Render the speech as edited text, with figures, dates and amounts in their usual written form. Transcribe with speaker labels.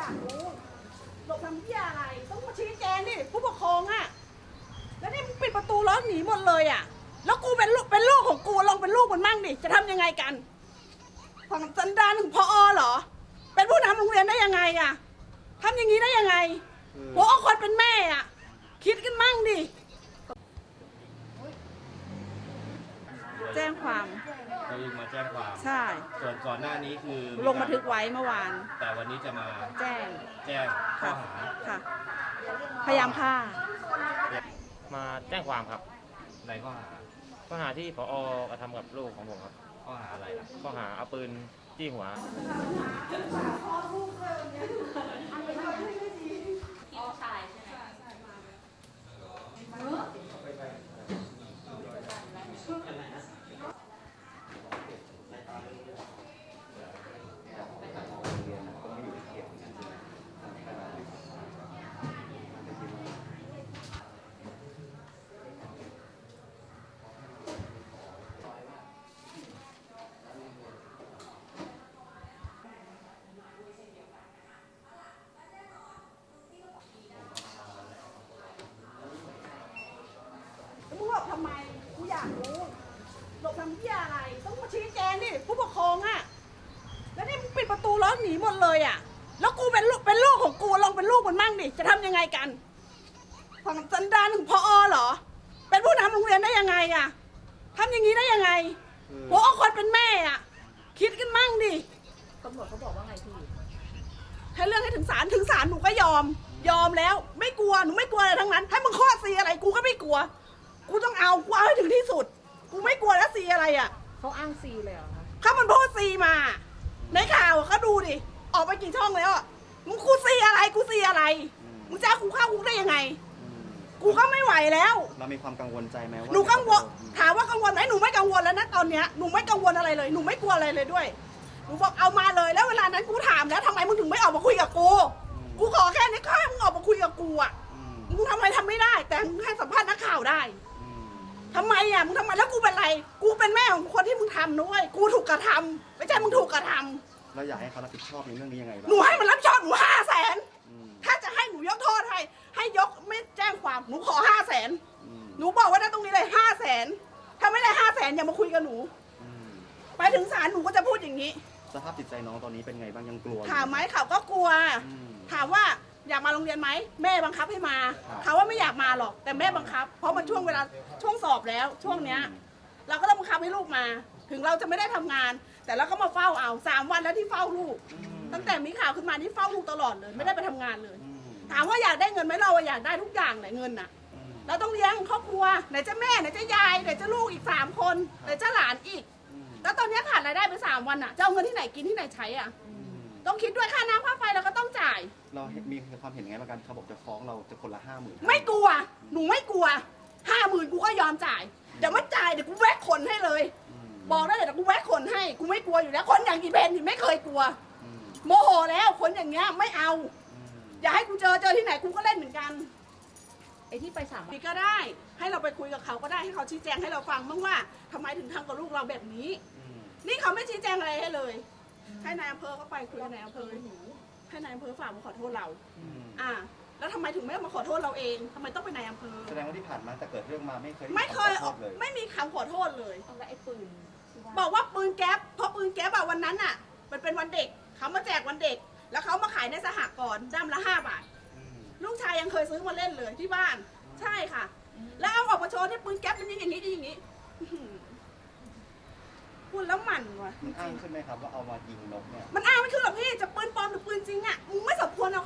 Speaker 1: ากรู้หลบทำเหี้ยอะไรต้องมาชี้แจงดิผู้ปกครองอ่ะแล้วนี่มึงปิดประตูแล้วหนีหมดเลยอ่ะแล้วกูเป็นลูกของกูลองเป็นลูกมันมั่งดิจะทำยังไงกันฝั่งสันดานถึงพอเหรอเป็นผู้นำโรงเรียนได้ยังไงอ่ะทำอย่างนี้ได้ยังไงหัวอกคนเป็นแม่อ่ะคิดกันมั่งดิแจ้งความ
Speaker 2: เรายิงมาแจ้งความ
Speaker 1: ใช่
Speaker 2: ส่วนก่อนหน้านี้คือ
Speaker 1: ลงบันทึกไว้เมื่อวาน
Speaker 2: แต่วันนี้จะมา
Speaker 1: แจ้ง
Speaker 2: แจ้งข้อหา
Speaker 1: ค่ะพยายามฆ่า
Speaker 3: มาแจ้งความครับ
Speaker 2: ในข้อหา
Speaker 3: ข้อหาที่ผอกระทำกับลูกของผมครับ
Speaker 2: ข้อหาอะไรล่ะ
Speaker 3: ข้อหาเอาปืนจี้หัว
Speaker 1: มึงหลบทำไมกูอยากรู้หลบทำเหี้ยอะไรต้องมาชี้แจงดิผู้ปกครองอ่ะแล้วนี่มึงปิดประตูแล้วหนีหมดเลยอ่ะแล้วกูเป็นลูกของกูลองเป็นลูกมันมั่งดิจะทำยังไงกันฝั่งสันดานถึงพอเหรอเป็นผู้นำโรงเรียนได้ยังไงอ่ะทำอย่างนี้ได้ยังไงหัวอกคนเป็นแม่อ่ะคิดกันมั่งดิ
Speaker 4: ตำรวจเขาบอกว่าไงพี่
Speaker 1: ให้เรื่องให้ถึงศาลหนูก็ยอมแล้วไม่กลัวหนูไม่กลัวอะไรทั้งนั้นให้มึงข้อซีอะไรกูก็ไม่กลัวกูต้องเอากูเอาให้ถึงที่สุดกูไม่กลัวแล้วซีอะไรอ่ะ
Speaker 4: เขาอ้างซีเลยเหรอคะ
Speaker 1: เขามันพูดซีมาในข่าวเขาดูดิออกไปกี่ช่องแล้วอ่ะมึงกูซีอะไรมึงจะเอากูเข้าคุกได้ยังไงกูก็ไม่ไหวแล้ว
Speaker 5: เรามีความกังวลใจไหมว่า
Speaker 1: หนูกังวลถามว่ากังวลไหมหนูไม่กังวลแล้วนะตอนเนี้ยหนูไม่กังวลอะไรเลยหนูไม่กลัวอะไรเลยด้วยหนูบอกเอามาเลยแล้วเวลานั้นกูถามแล้วทำไมมึงถึงไม่ออกมาคุยกับกูขอแค่นี้ก็ให้มึงออกมาคุยกับกูอ่ะมึงทำไมทำไม่ได้ แต่มึงให้สัมภาษณ์นักข่าวได้ทำไมอ่ะมึงทำไมแล้วกูเป็นไรกูเป็นแม่ของคนที่มึงทำด้วยกูถูกกระทำไม่ใช่มึงถูกกระทำ
Speaker 5: เราอยากให้เขารับผิดชอบในเรื่องนี้ยังไงบ้าง
Speaker 1: หนูให้มันรับผิดชอบหนู500,000ถ้าจะให้หนูยกโทษให้ยกไม่แจ้งความหนูขอ500,000หนูบอกว่าได้ตรงนี้เลย500,000ถ้าไม่ได้500,000อย่ามาคุยกับหนูไปถึงศาลหนูก็จะพูดอย่างนี้
Speaker 5: สภาพจิตใจน้องตอนนี้เป็นไงบ้างยังกลัวอยู่
Speaker 1: ถามไหมเขาก็กลัว ถามว่าอยากมาโรงเรียนไหมแม่บังคับให้มาเขาว่าไม่อยากมาหรอกแต่แม่บังคับ เพราะมันช่วงเวลาช่วงสอบแล้วช่วงเนี้ยเราก็ต้องบังคับให้ลูกมา ถึงเราจะไม่ได้ทำงาน แต่เราก็มาเฝ้าเอา3 วันแล้วที่เฝ้าลูก ตั้งแต่มีข่าวขึ้นมาที่เฝ้าลูกตลอดเลย ไม่ได้ไปทำงานเลย ถามว่าอยากได้เงินไหมเราอยากได้ทุกอย่างไหนเงินน่ะเราต้องเลี้ยงครอบครัวไหนจะแม่ไหนจะยายไหนจะลูกอีก3 คนไหนจะหลานอีก แล้วตอนนี้ขาดรายได้ไป3 วันอ่ะจะเอาเงินที่ไหนกินที่ไหนใช้อ่ะต้องคิดด้วยค่าน้ำค่าไฟเราก็ต้องจ่าย
Speaker 5: เรามีความเห็นไงบ้างกันเขาบอกจะฟ้องเราจะคนละ50,000
Speaker 1: ไม่กลัวหนูไม่กลัว50,000กูก็ยอมจ่ายเดี๋ยวไม่จ่ายเดี๋ยวกูแวะขนให้เลย บอกได้เลยเดี๋ยวกูแวะขนให้กูไม่กลัวอยู่แล้วคนอย่างอีเบนนี่ไม่เคยกลัวโมโหแล้วคนอย่างเงี้ยไม่เอาอย่าให้กูเจอที่ไหนกูก็เล่นเหมือนกัน
Speaker 4: ไอ้ที่ไป3 วัน
Speaker 1: พี่ก็ได้ให้เราไปคุยกับเขาก็ได้ให้เขาชี้แจงให้เราฟังบ้างว่าทำไมถึงทำกับลูกเราแบบนี้นี่เขาไม่ชี้แจงอะไรให้เลย ให้นายอำเภอก็ไปคุยกับนายอำเภอให้นายอำเภอฝากมาขอโทษเราแล้วทำไมถึงไม่มาขอโทษเราเองทำไมต้องเป็นนายอำเภอ
Speaker 5: แสดงว่าที่ผ่านมาแต่เกิดเรื่องมาไม่เคย
Speaker 1: ไม่เคย
Speaker 5: ขอโทษเลย
Speaker 1: ไม่มีคำขอโทษเลย
Speaker 4: เอาแล้วไอ้ปืนที่ว่า
Speaker 1: บอกว่าปืนแก๊ปเพราะปืนแก๊ปอะวันนั้นอะมันเป็นวันเด็กเขามาแจกวันเด็ก แล้วเขามาขายในสหกรณ์ด้ามละ5 บาทลูกชายยังเคยซื้อมาเล่นเลยที่บ้าน ใช่ค่ะ แล้วเอาออกมาโชว์ที่ปืนแก๊ปมันยิงอย่างนี้อย่างนี้พูดแล้วหมั่นว่ะ
Speaker 5: มันอ้างขึ้นไหมครับว่าเอามายิงนกเนี่ย
Speaker 1: มันอ้างไม่ขึ้นหรอกพี่จะปืนปลอมหรือปืนจริงอะมึงไม่สมควรเอา